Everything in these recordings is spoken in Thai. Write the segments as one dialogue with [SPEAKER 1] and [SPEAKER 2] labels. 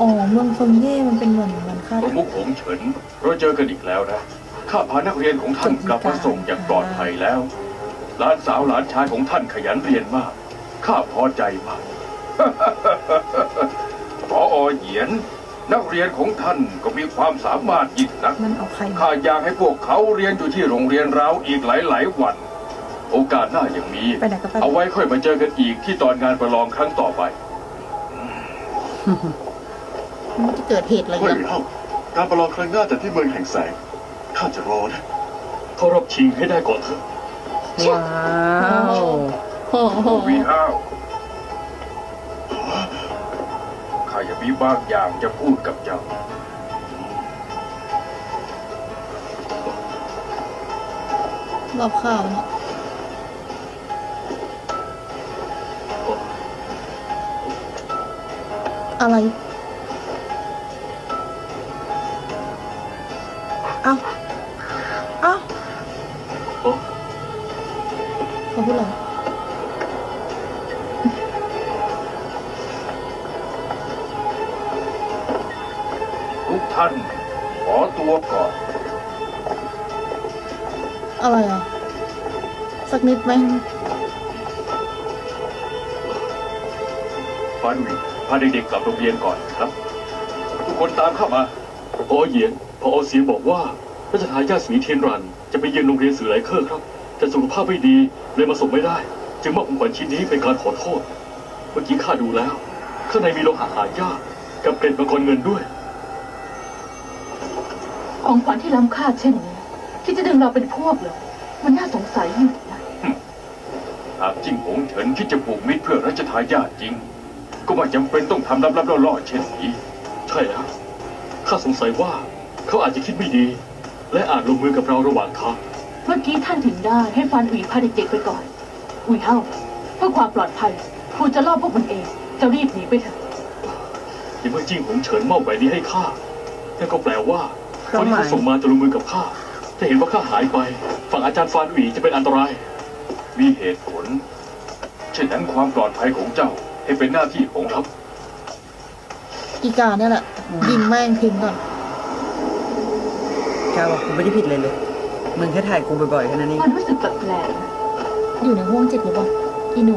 [SPEAKER 1] อ๋อเมืองเฟิงเย่มันเป็นเหมือนค่า
[SPEAKER 2] ประมุขหงเฉินเราเจอกันอีกแล้วนะข้าพานักเรียนของท่านกลับมาส่งอย่างปลอดภัยแล้วหลานสาวหลานชายของท่านขยันเรียนมากข้าพอใจมาก ผอ.เหยียนนักเรียนของท่านก็มีความสามารถยิ่งนัก
[SPEAKER 1] มันเอาใคร
[SPEAKER 2] ข้าอยากให้พวกเขาเรียนอยู่ที่โรงเรียนเราอีกหลายวัน โอกาสหน้าอย่างนี้
[SPEAKER 1] ไปไหนก็ไป
[SPEAKER 2] เอาไว้ค่อยมาเจอกันอีกที่ตอนงานประลองครั้งต่อไป
[SPEAKER 1] มันจะเกิดเหตุอะไร
[SPEAKER 3] เฮ้ย
[SPEAKER 1] กัน
[SPEAKER 3] เอ้าการประลองครั้งหน้าแต่ที่เมืองแห่งแสงข้าจะรอนะ
[SPEAKER 2] เขารอบชิงให้ได้ก่อนเถอะ
[SPEAKER 4] ว้าว
[SPEAKER 1] โอ้โห
[SPEAKER 2] วีห้าวข้าจะมีบางอย่างจะพูดกับเจ้า
[SPEAKER 1] รอบข้าวเนี่ยอะไรเอ้าเอ้า
[SPEAKER 2] โอ้
[SPEAKER 1] เขาพูดอะไร
[SPEAKER 2] ทุกท่านขอตัวก่อน
[SPEAKER 1] อะไรอ่ะสักนิดไหม
[SPEAKER 2] ฟานวิพาเด็กๆกลับโรงเรียนก่อนครับ ทุกคนตามเข้ามาพอเหยียนพอเสียงบอกว่ารัชทายาทสีเทียนรันจะไปเยือนโรงเรียนสื่อไหลเคอร์ครับแต่สุขภาพไม่ดีเลยมาส่งไม่ได้ จึงมอบของขวัญชิ้นนี้เป็นการขอโทษ เมื่อกี้ข้าดูแล้วข้างในมีโลหะหายากกับเกล็ดมังกรเงินด้วย
[SPEAKER 5] ของขวัญที่ล้ำค่าเช่นนี้ที่จะดึงเราเป็นพวกเหรอมันน่าสงสัยอยู่นะ
[SPEAKER 2] หากจิ้งหงเฉินคิดจะผูกมิตรเพื่อรัชทายาทจริง ก็ไม่จำเป็นต้องทำลับๆล่อๆเช่นนี้ ใช่แล้วข้าสงสัยว่าเขาอาจจะคิดไม่ดี และอาจลงมือกับเราระหว่างทาง
[SPEAKER 5] เมื่อกี้ท่านถึงได้ให้ฟานอุ๋ยพาเด็กๆไปก่อนอุ๋ยเฮาเพื่อความปลอดภัยครูจะล่อพวกมันเองจะรีบหนีไปเถอะ
[SPEAKER 2] ในเมื่อจิ้งหงเฉินมอบแหวนนี้ให้ข้านั่นก็แปลว่าคนที่เขาส่งมาจะลงมือกับข้าถ้าเห็นว่าข้าหายไปฝั่งอาจารย์ฟานหวีจะเป็นอันตราย มีเหตุผล เช่นนั้นความปลอดภัยของเจ้าให้เป็นหน้าที่ของเรา
[SPEAKER 1] อีกาเนี่ยแหละยิงแม่งทิ้งก่อน
[SPEAKER 4] กาบอกกูไม่ได้ผิดเลยมึงแค่ถ่ายกูบ่อยๆแค่นั้นเอง
[SPEAKER 5] มันรู้สึกแปลกๆนะ
[SPEAKER 1] อยู่ในห้วงจิตหรือเปล่าอีหนู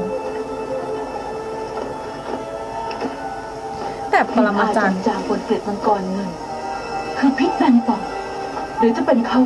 [SPEAKER 1] แต่ปรมาจารย์
[SPEAKER 5] จางบนเกล็ดมังกรเงิน คือพิษแมงป่องหรือจะเป็นเขา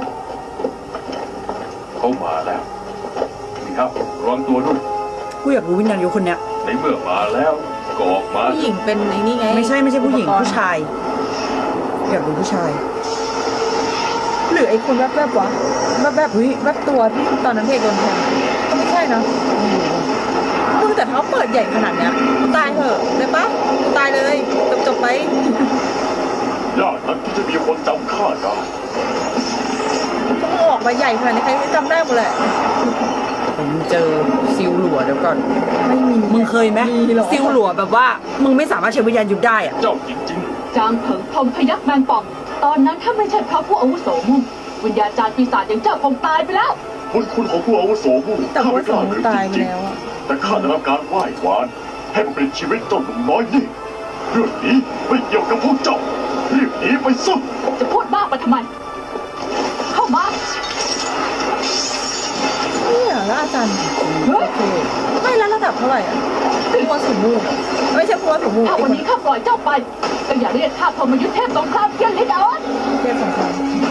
[SPEAKER 2] เขามาแล้วนี่ครับระวังตัวด้วย
[SPEAKER 4] กูอยากรู้วิญญาณยุคนเนี้ย
[SPEAKER 2] ในเมื่อมาแล้วก็ออกมา
[SPEAKER 1] ผู้หญิงเป็นไอ้นี่ไง
[SPEAKER 4] ไม่ใช่ผู้หญิง
[SPEAKER 1] อุปกรณ์
[SPEAKER 4] ผู้ชายอยากรู้ผู้ชาย
[SPEAKER 1] หรือไอ้คนแวบๆวะแวบๆแวบตัวที่ตอนนั้นเพจโดนแทงก็ไม่ใช่นะมึงแต่เขาเปิดใหญ่ขนาดเนี้ยกูตายเถอะเลยปะกูตายเลยจบไป
[SPEAKER 3] ยากนักที่จะมีคนจำข้าได้
[SPEAKER 1] ก็มึงออกมาใหญ่ขนาดนี้ใครจำได้หมดแหละ
[SPEAKER 4] ผมเจอซิลหลัวเดี๋ยวก่อน
[SPEAKER 1] ไม่มี
[SPEAKER 4] มึงเคยไหม
[SPEAKER 1] มีหรอ
[SPEAKER 4] ซิลหลัวแบบว่า มึงไม่สามารถใช้วิญญาณหยุดได้อะ
[SPEAKER 2] เจ้าจริง
[SPEAKER 5] จางเผิงพรหมพยักแมงป่อง ตอนนั้นถ้าไม่ใช่พระผู้อาวุโสมุ่งวิญญาจารย์ปีศาจอย่างเจ้าคงตายไปแล้ว
[SPEAKER 3] คุณของผู้อาวุโสผู้
[SPEAKER 1] แต่
[SPEAKER 3] ข้า
[SPEAKER 1] ว่า
[SPEAKER 3] ไม่ก
[SPEAKER 1] ส
[SPEAKER 3] ล้า
[SPEAKER 1] อง
[SPEAKER 3] หรือ
[SPEAKER 1] ตาย
[SPEAKER 3] จ
[SPEAKER 1] ไป
[SPEAKER 3] ริง
[SPEAKER 1] แล้วอะ
[SPEAKER 3] ๆแต่ข้าได้รับการไหว้วานให้มันเป็นชีวิตเจ้าหนุ่มน้อยนี่เรื่องนี้ไม่เกี่ยวกับพวกเจ้ารีบหนีไปซะ
[SPEAKER 5] จะพูดบ้าไปทำไม เข้ามา
[SPEAKER 1] เนี่ยแล้วอาจารย์
[SPEAKER 5] เฮ้ย
[SPEAKER 1] ไม่แล้วระดับเท่าไหร่อ่ะพัวสูงมูไม่ใช่พัวสูงมู
[SPEAKER 5] ถ้าวันนี้ข้าปล่อยเจ้าไปก็อย่าเรียกข้าพรหมยุทธเทพสงครามเทียนลิ้นอ่อน
[SPEAKER 1] เทียบสงคราม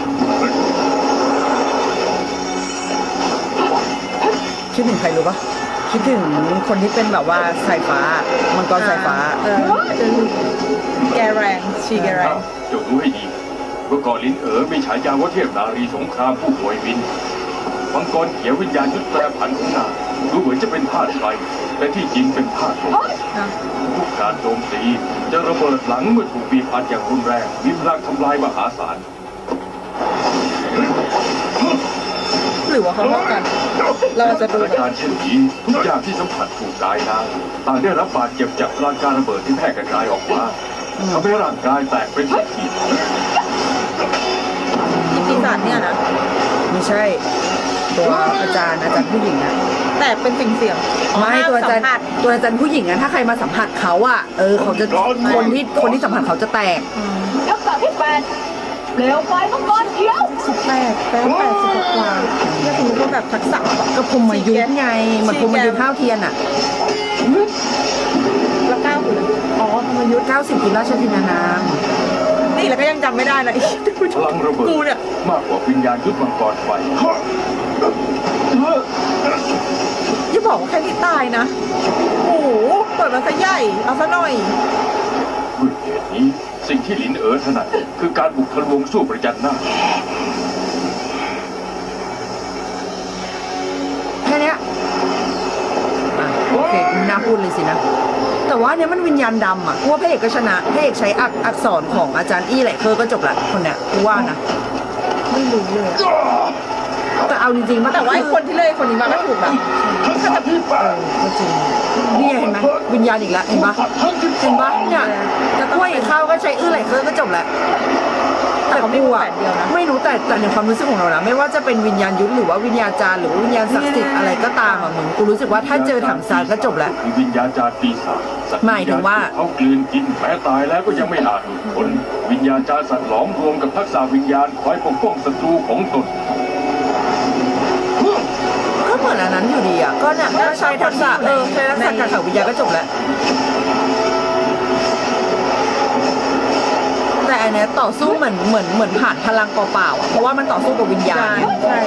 [SPEAKER 4] คิดถึงใครรู้ปะคิดถึงคนที่เป็นแบบว่าสายฟ้ามังกรสายฟ้า
[SPEAKER 1] แกแรงชีแก
[SPEAKER 2] ๆ
[SPEAKER 1] แร
[SPEAKER 2] อ้าง วเจ้าดูให้ดีเมื่อก่อนลินมีฉายาว่าเทพนารีสงครามผู้ป่วยวินมังกรเขียววิญญาณยุทธแปรผันของนางดูเหมือนจะเป็นธาตุไฟแต่ที่จริงเป็นธาตุลม ทุกการโจมตีจะระเบิดหลังเมื่อถูกบีบอัดอย่างรุนแรงมีพลังทำลายมหาศาล
[SPEAKER 1] หรือว่าเขาเท่ากัน เราจะ
[SPEAKER 2] ส
[SPEAKER 1] ดู
[SPEAKER 2] ถานการณ์เช่นนี้ทุกอย่างที่สัมผัสถูกกายนางต่างได้รับบาดเจ็บจากพลังการระเบิดที่แพร่กระจายออกมาทำให้ร่างกายแตกเป็นขีด
[SPEAKER 1] ปีศาจเนี่ยนะ
[SPEAKER 4] ไม่ใช่ตัวอาจารย์ผู้หญิงอะ
[SPEAKER 1] แต่เป็นสิ่งเสี่ยง
[SPEAKER 4] ไม่ตัวอาจารย์
[SPEAKER 1] ห้มสัมผัส
[SPEAKER 4] ตัวอาจารย์ผู้หญิงอะถ้าใครมาสัมผัสเขาอะเขาจะคนที่สัมผัสเขาจะแตก
[SPEAKER 5] ทักษะที่8เปลวไฟมังกรเขียว
[SPEAKER 1] 18แปลว่า80กว่าเนี่ยคุณรู้ว่าแบบทักษะแบบ
[SPEAKER 4] ก็พรหมยุทธ์ไงเหมือนพรหมยุทธ์ข้าวเทียนอะ
[SPEAKER 1] แล้ว9คืออะไรอ๋อพรหมยุทธ์
[SPEAKER 4] 90กินราชทินานาม
[SPEAKER 1] นี่แล้วก็ยังจำไม่ได้เลย
[SPEAKER 3] พลังระเบิด
[SPEAKER 1] กูเนี่ย
[SPEAKER 3] มากกว่าวิญญาณยุทธมังกรไฟ
[SPEAKER 1] อย่าบอกว่าแค่ที่ตายนะโอ้โหเปิดมาซะใหญ่เอาซะหน่อย
[SPEAKER 3] ด้วยเหตุนี้สิ่งที่หลินเอ๋อถนัดคือการบุกทะลวงสู้ประจันหน้า
[SPEAKER 4] แค่เนี้ยโอเคไม่น่าพูดเลยสินะ แต่ว่าเนี้ยมันวิญญาณดำอะกูว่าพระเอกก็ชนะพระเอกใช้อักษรของอาจารย์อี้แหละก็จบละคนเนี้ยกูว่านะ
[SPEAKER 1] ไม่รู้เลยอะ
[SPEAKER 4] แต่เอาจริงๆมัน
[SPEAKER 1] แต่ว่าไอ้คนที่เลยคนนี้มาก็ถูกแบบถ้าจะ
[SPEAKER 4] ก็จริงนี่เห็นไหมวิญญาณอีกแล้วเห็นปะเห็นปะเนี่ยกล้วยข้าวก็ใช้ไหลก็จบแล้ว
[SPEAKER 1] แต่เขาไม่
[SPEAKER 4] กู
[SPEAKER 1] รู้
[SPEAKER 4] อะ
[SPEAKER 1] แบบเดียวนะ
[SPEAKER 4] ไม่รู้แต่ในความรู้สึกของเรานะไม่ว่าจะเป็นวิญญาณยุทธหรือว่าวิญญาจารย์หรือว่าวิญญาณศักดิ์สิทธิ์อะไรก็ตามอะมึงกูรู้สึกว่าถ้าเจอถังซานก็จบแล้ว
[SPEAKER 3] คือวิญญาจารย์ปีศาจสัตว์
[SPEAKER 4] หมายถึงว่า
[SPEAKER 3] เขากลืนกินแม้ตายแล้วก็ยังไม่อาจหลุดพ้นวิญญาจารย์สัตว์หลอมรวมกับทักษะวิญญาณคอยปกป้องศัตรูของตน
[SPEAKER 4] ก็เหมือนอันนั้นอยู่ดีอ่ะก็เนี่ยก็ใช้ทักษะใช้ทักษะการขังวิญญาณก็จบแล้วแต่อันเนี้ยต่อสู้เหมือนผ่านพลังเปล่าๆอ่ะเพราะว่ามันต่อสู้กับวิญญาณ
[SPEAKER 1] ใช่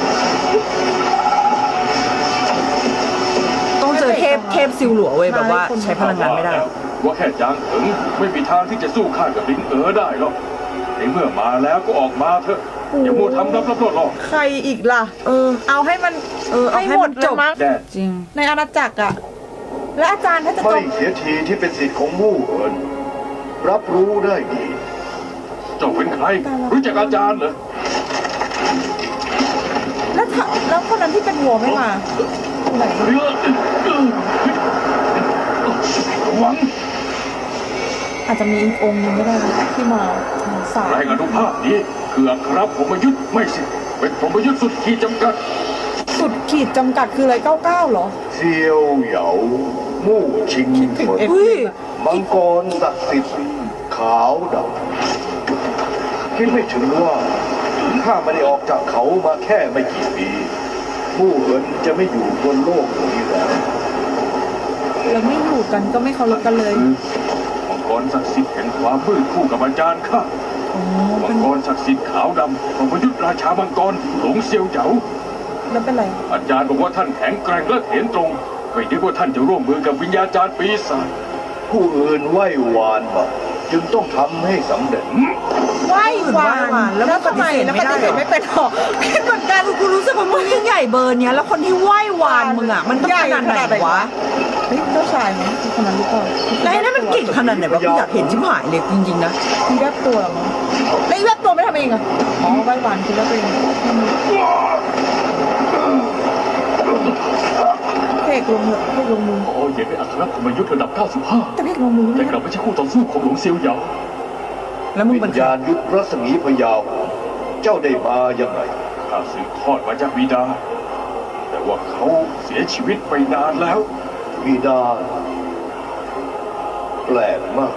[SPEAKER 4] ต้องเจอเทพซิลหลัวเว้ยแบบว่าใช้พลังงานไม่ได้
[SPEAKER 3] ว่าแค่จางเถิงไม่มีทางที่จะสู้ข้ากับลิงเอ๋อได้หรอกในเมื่อมาแล้วก็ออกมาเถอะอย่ามัวทำรับรอด
[SPEAKER 1] ใครอีกล่ะ เอาให้มัน
[SPEAKER 4] เอาให้
[SPEAKER 1] หม
[SPEAKER 4] มั
[SPEAKER 1] ด
[SPEAKER 4] น
[SPEAKER 1] เล
[SPEAKER 4] จ
[SPEAKER 1] ย
[SPEAKER 4] บ
[SPEAKER 1] มั้ง
[SPEAKER 3] แดด
[SPEAKER 4] จริง
[SPEAKER 1] ในอาณาจักรอะและอาจารย์ถ้าจะจ
[SPEAKER 6] ไม่
[SPEAKER 1] บ
[SPEAKER 6] เสียทีที่เป็นสิทธิ์ของมู่เอินรับรู้ได้ดี
[SPEAKER 3] เจ้าเป็นใคร รู้จักอาจารย์เหรอ
[SPEAKER 1] แล้วคนนั้นที่เป็นวัวไม่มาไหน
[SPEAKER 3] ระวัง
[SPEAKER 1] อาจจะมีอีกองค์หนึงก็ได้นะที่มาสาย
[SPEAKER 3] แรงอนุภาพนี้คืออัครพรหมยุทธ์ไม่สิเป็นพรหมยุทธ์สุดขีดจำกัด
[SPEAKER 1] สุดขีดจำกัดคืออะไร99เหรอ
[SPEAKER 6] เซียวเหยามู่ชิง
[SPEAKER 1] ถึง
[SPEAKER 6] เฟิน
[SPEAKER 1] เอฟ
[SPEAKER 4] เฮ้ย
[SPEAKER 6] มังกรศักดิ์สิทธิ์ขาวดำคิดไม่ถึงว่าข้าไม่ได้ออกจากเขามาแค่ไม่กี่ปีมู่เอินจะไม่อยู่บนโลกนี้แล้ว
[SPEAKER 1] แล้วไม่อยู่กันก็ไม่เคารพกันเลย
[SPEAKER 3] มังกรศักดิ์สิทธิ์แห่งความมืดคู่กับอาจารย์ข้า
[SPEAKER 1] อ๋อ
[SPEAKER 3] มั
[SPEAKER 1] เป็
[SPEAKER 3] ง
[SPEAKER 1] น
[SPEAKER 3] กรศักดิ์สิทธิ์ขาวดำพรหมยุทธ์ราชามังกรหลงเซียวเหยา
[SPEAKER 1] แล้วเป็นไร
[SPEAKER 3] อาจารย์บอกว่าท่านแข็งแกร่งและเห็นตรงไม่นึกว่าท่านจะร่วมมือกับวิญญาจารย์ปีศาจ
[SPEAKER 6] ผู้อื่นไหว้วานมาจึงต้องทำให้สำเร็จ
[SPEAKER 1] ไหว้วาน
[SPEAKER 4] แล้วปฏิ
[SPEAKER 1] ทำไม
[SPEAKER 4] เสธ
[SPEAKER 1] แล้ว
[SPEAKER 4] ไม่
[SPEAKER 1] ป
[SPEAKER 4] ได้
[SPEAKER 1] ฏิเสธไม่เป็นหรอคิดเหมือนกัน
[SPEAKER 4] กูรู้สึกว่ามึงยิ่งใหญ่เบอร์เนี้ยแล้วคนที่ไหว้วานมึงอ่ะมันต้องขนาดไหนวะ
[SPEAKER 1] เฮ้ยเจ้าชายไหมคือคนนั้นหรือเปล่า
[SPEAKER 4] แล้วไอ้นั่นมันเก่งขนาดไหนวะกูอยากเห็นชิบหายเลยจริงๆนะ
[SPEAKER 1] มีแวบตัวเหรอมั้งแล้วอีแวบตัวไม่ทำเองอะอ๋อไหว้วานคือแวบเองเพกลงเหอะเพกลงมือ
[SPEAKER 2] พอเหยียนเป็นอัครพรหมยุทธ์ระดับ 95
[SPEAKER 1] แต่เพกลงมือ
[SPEAKER 2] แต่
[SPEAKER 1] ไม่
[SPEAKER 2] กลับไม่ใช่คู่ต่อสู้ของหลงเซียวเหยา
[SPEAKER 4] แล้วมึง
[SPEAKER 6] วิ
[SPEAKER 4] เป็น
[SPEAKER 6] ญ
[SPEAKER 4] ใคร
[SPEAKER 6] ญาณยุทธรัศมีพยาว เจ้าได้มายังไง
[SPEAKER 3] ข้าสืบทอดมาจากบิดา แต่ว่าเขาเสียชีวิตไปนานแล้ว
[SPEAKER 6] บิดา แปลกมาก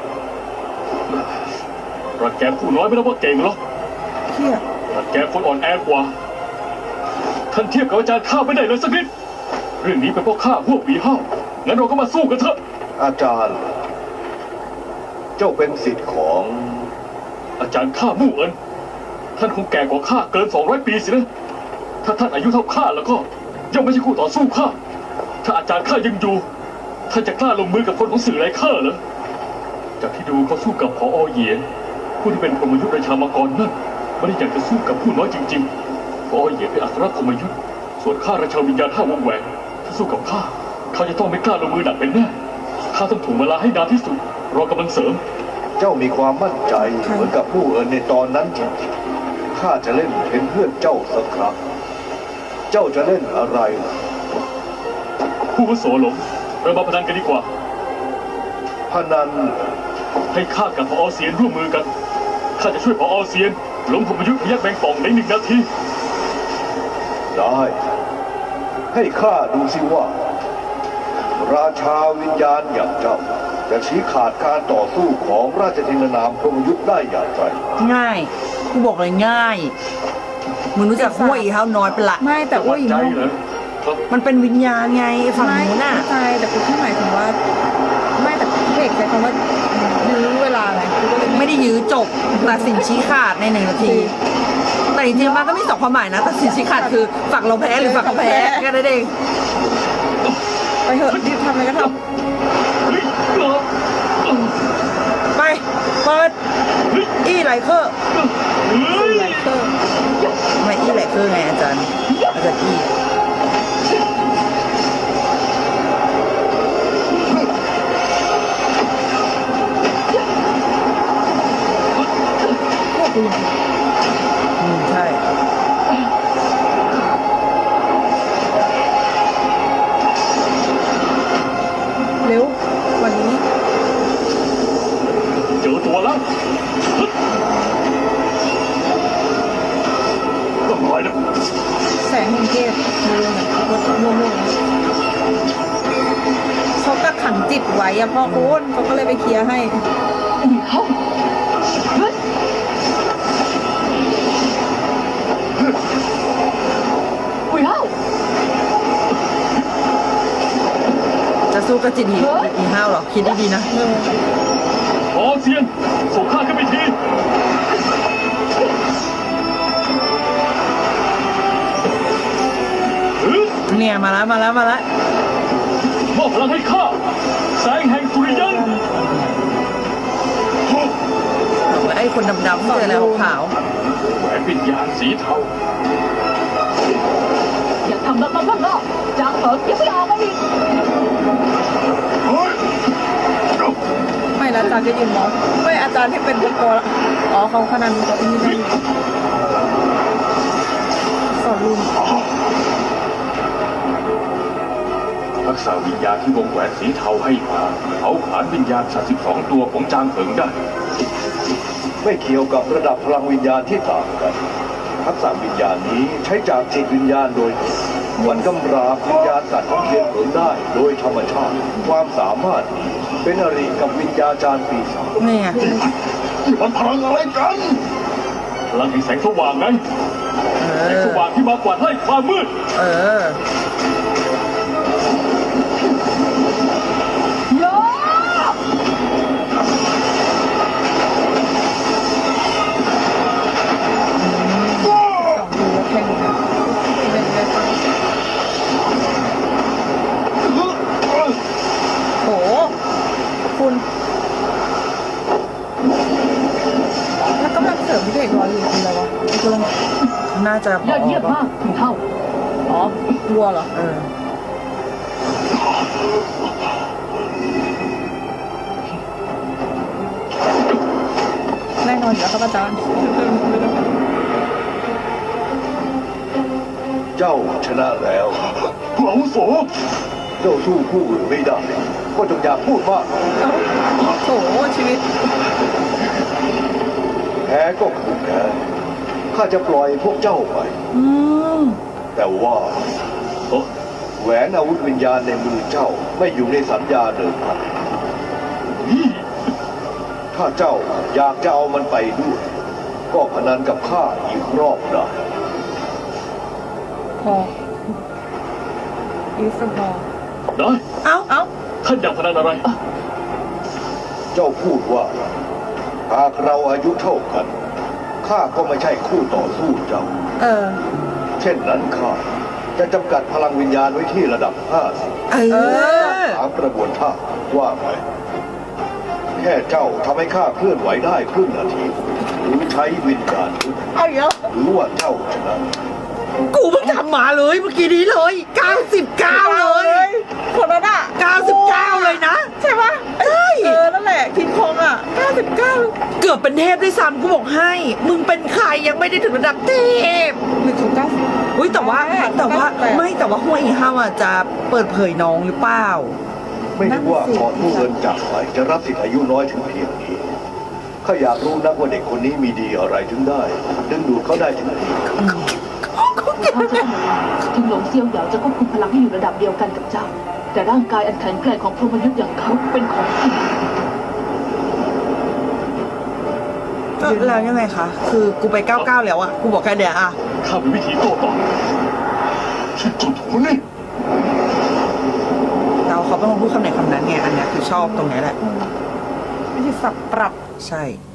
[SPEAKER 2] รังแกผู้น้อยไม่ได้ว่าเก่งหรอก
[SPEAKER 1] เที่ย
[SPEAKER 2] รังแกคนอ่อนแอกว่า ท่านเทียบกับอาจารย์ข้าไม่ได้เลยสักนิด เรื่องนี้เป็นเพราะข้าพวกปีห้างั้นเราก็มาสู้กันเถอะ
[SPEAKER 6] อาจารย์ เจ้าเป็นสิทธิ์ของ
[SPEAKER 2] อาจารย์ข้ามู่เอินท่านคงแก่กว่าข้าเกิน200 ปีสินะ ถ้าท่านอายุเท่าข้าแล้วก็ย่อมไม่ใช่คู่ต่อสู้ข้า ถ้าอาจารย์ข้ายังอยู่ ท่านจะกล้าลงมือกับคนของสื่อไรเคอร์เหรอ จากที่ดูเขาสู้กับพอเหยียนผู้ที่เป็นพรหมยุทธ์ราชามังกรนั่นไม่ได้อยากจะสู้กับผู้น้อยจริงๆพอเหยียนเป็นอัครพรหมยุทธ์ส่วนข้าราชาวิญญาณ5 วงแหวนถ้าสู้กับข้าเขาจะต้องไม่กล้าลงมือหนักเป็นแน่ข้าต้องถ่วงเวลาให้นานที่สุดรอกำลังเสริม
[SPEAKER 6] เจ้ามีความมั่นใจเหมือนกับผู้เอิญในตอนนั้นจริงๆ ข้าจะเล่นเป็นเพื่อนเจ้าสักครั้ง เจ้าจะเล่นอะไรล่ะ
[SPEAKER 2] ผู้วุโสหลงเรามาพนันกันดีกว่า
[SPEAKER 6] พนัน
[SPEAKER 2] ให้ข้ากับพอเซียนร่วมมือกัน ข้าจะช่วยพอเซียนล้มพรหมยุทธ์พยักแบงป่องใน1 นาที
[SPEAKER 6] ได้ ให้ข้าดูสิว่า ราชาวิญญาณอย่างเจ้า จะชี้ขาดการต่อสู้ของราชธินนามพรหมยุทธ์ได้อย่างไร
[SPEAKER 4] ง่ายกูบอกเลยง่ายมึงรู้จักห้วยอีเฮาน้อยเป็นละ
[SPEAKER 1] ไม่แต่อุ้ย
[SPEAKER 2] ใจเหรอครับ
[SPEAKER 4] มันเป็นวิญญาณไงไอ้ฝั่งนู้นน่ะ
[SPEAKER 1] ใช่แต่กูแค่หมายถึงว่า ไม่แต่เพกใช้คำว่ายื้อเวลาไงกูก็เลย
[SPEAKER 4] ไม่ได้ยื้อจบตัดสินชี้ขาดใน1 นาที แต่จริงๆมันก็มี2 ความหมายนะตัดสินชี้ขาดคือฝั่งเราแพ้หรือฝั่งเขาแพ้แค่นั้นเอง
[SPEAKER 1] ไปเถอะรีบทำอะไรก็ท
[SPEAKER 4] ไปเปิดอี้ไหลเคอร์
[SPEAKER 1] ำไลเคอร์
[SPEAKER 4] ไม่อี้ไหลเคอร์ไงอาจารย์อี้
[SPEAKER 1] พวกกูอย่าง
[SPEAKER 4] ใช่
[SPEAKER 1] เร็ววันนี้
[SPEAKER 2] เจอตัวแล้ว
[SPEAKER 3] ก็น้อยนะ
[SPEAKER 1] แสงแห่งเทพเร็วๆหน่อยรถโล่งๆเขากักขังจิตไว้อะพ่อคุณเขาก็เลยไปเคลียร์ให้
[SPEAKER 5] อุ๋ยเฮาเฮ้ยอุ๋ยเฮา
[SPEAKER 4] จะสู้กับจิตอีห้าวหรอคิดดีๆนะ
[SPEAKER 2] ขอเซียนส่งข้าขึ้นไปที
[SPEAKER 4] เนี่ยมาแล้ว
[SPEAKER 2] มอบพลังให้ข้าแสงแห่งสุริยัน
[SPEAKER 4] บอกแล้วไอ้คนดำๆเจอแล้วขาว
[SPEAKER 2] แหวนวิญญาณสีเทา
[SPEAKER 5] อย่าทำลับๆล่อๆจางเผิงยังไม่ออกมาอีก
[SPEAKER 3] เฮ้ย
[SPEAKER 1] ไม่แล้วอาจารย์ก็ยืนมองไม่อาจารย์ที่เป็นตะโกละอ๋อเขาขนาดนี้ก็ที่นี่ได้อยู่สอนลุง
[SPEAKER 2] ทักษะวิญญาณที่วงแหวนสีเทาให้มาเขาผลาญวิญญาณ32ตัวของจางเผิงได้
[SPEAKER 6] ไม่เกี่ยวกับระดับพลังวิญญาณที่ต่างกัน ทักษะวิญญาณนี้ใช้จากจิตวิญญาณโดยตรงวันกำราบวิญญาณสัตว์ของเทียนเผิงได้โดยธรรมชาติ ความสามารถนี้เป็นอริกับวิญญาจารย์ปีศาจ
[SPEAKER 4] เนี่ย
[SPEAKER 3] นี่มันพลังอะไรกัน
[SPEAKER 2] พลังแห่งแสงสว่างไง
[SPEAKER 4] เอ
[SPEAKER 2] แสง
[SPEAKER 4] อ
[SPEAKER 2] สว่างที่มากวาดไล่ความมืด
[SPEAKER 4] เออ
[SPEAKER 5] โย
[SPEAKER 1] สองดูแล้วแข่งนะเป็นไงบ้างโหคุณแล้วกำลังเสริมที่เพกรออยู่คืออะไรวะ
[SPEAKER 4] น่าจะ
[SPEAKER 5] ยอดเยี่ยมมากอุ๋ยเฮา
[SPEAKER 1] อ๋อวัวเหรอ
[SPEAKER 4] เออ
[SPEAKER 1] แน่นอนอยู่แล้วครับอาจารย์
[SPEAKER 6] เจ้าชนะแล้ว
[SPEAKER 3] ผู้อาวุโส
[SPEAKER 6] เจ้าสู้ผู้อื่นไม่ได้ ก็จงอย่าพูดมาก
[SPEAKER 1] โถชีวิต
[SPEAKER 6] แพ้ก็คือแพ้ข้าจะปล่อยพวกเจ้าไป
[SPEAKER 4] อืม
[SPEAKER 6] แต่ว่า
[SPEAKER 2] โอ้
[SPEAKER 6] แหวนอาวุธวิญญาณในมือเจ้าไม่อยู่ในสัญญาเดิมพัน
[SPEAKER 2] นี่
[SPEAKER 6] ถ้าเจ้าอยากจะเอามันไปด้วย ก็พนันกับข้าอีกรอบได้
[SPEAKER 1] พออีฟพอ
[SPEAKER 2] ได้
[SPEAKER 4] เอ้า
[SPEAKER 1] เอ้า
[SPEAKER 2] ท่านอยากพนันอะไร
[SPEAKER 6] เจ้าพูดว่า หากเราอายุเท่ากันข้าก็ไม่ใช่คู่ต่อสู้เจ้า
[SPEAKER 4] เออ
[SPEAKER 6] เช่นนั้นข้าจะจำกัดพลังวิญญาณไว้ที่ระดับ50
[SPEAKER 4] เออ
[SPEAKER 6] ตามกระบวนท่าว่าไหมแค่เจ้าทำให้ข้าเคลื่อนไหวได้ครึ่งนาที หรือใช้วิญญาณทุก
[SPEAKER 1] เอาอีกแล้ว
[SPEAKER 6] หรือว่าเจ้าชนะ
[SPEAKER 4] กูเพิ่งทำมาเลยเมื่อกี้นี้เลย 99 เลย
[SPEAKER 1] คนนั้นอ่ะ
[SPEAKER 4] 99 เลยนะ
[SPEAKER 1] ใช่ปะ
[SPEAKER 4] ใช่
[SPEAKER 1] นั่นแหละคิงคองอ่ะ99
[SPEAKER 4] เกือบเป็นเทพด้วยซ้ำกูบอกให้ มึงเป็นใครยังไม่ได้ถึงระดับเทพ
[SPEAKER 1] หรือถึง90
[SPEAKER 4] อุ้ยแต่ว่าไม่แต่ว่าห้วยอีห้าวอะจะเปิดเผยน้องหรือเปล่า
[SPEAKER 6] ไม่รู้ว่าก่อนผู้เงินจากไปจะรับสิทธิ์อายุน้อยถึงเพียงนี้ข้าอยากรู้นักว่าเด็กคนนี้มีดีอะไรถึงได้ ดึงดูดเขาได้ถึงนี้
[SPEAKER 4] เขาเก่ง
[SPEAKER 5] เท่าจะต้องระวังถึงหลงเซี่ยวเหยาจะควบคุมพลังให้อยู่ระดับเดียวกันกับเจ้า แต่ร่างกายอันแข็งแกร่งของพรหมยุทธ์อย่างเขาเป็นของจริง
[SPEAKER 4] แล้วยังไงคะคือกูไป99แล้วอะกูบอกแค่เดียวอะ
[SPEAKER 3] ข้ามีวิธีโต้ตอบที่จุดหูนี่
[SPEAKER 4] เราเขาเป็นคนพูดคำไหนคำนั้นไงอันเนี้ยคือชอบตรงเนี้ยแหละ
[SPEAKER 1] วิธีสับปรับ
[SPEAKER 4] ใช่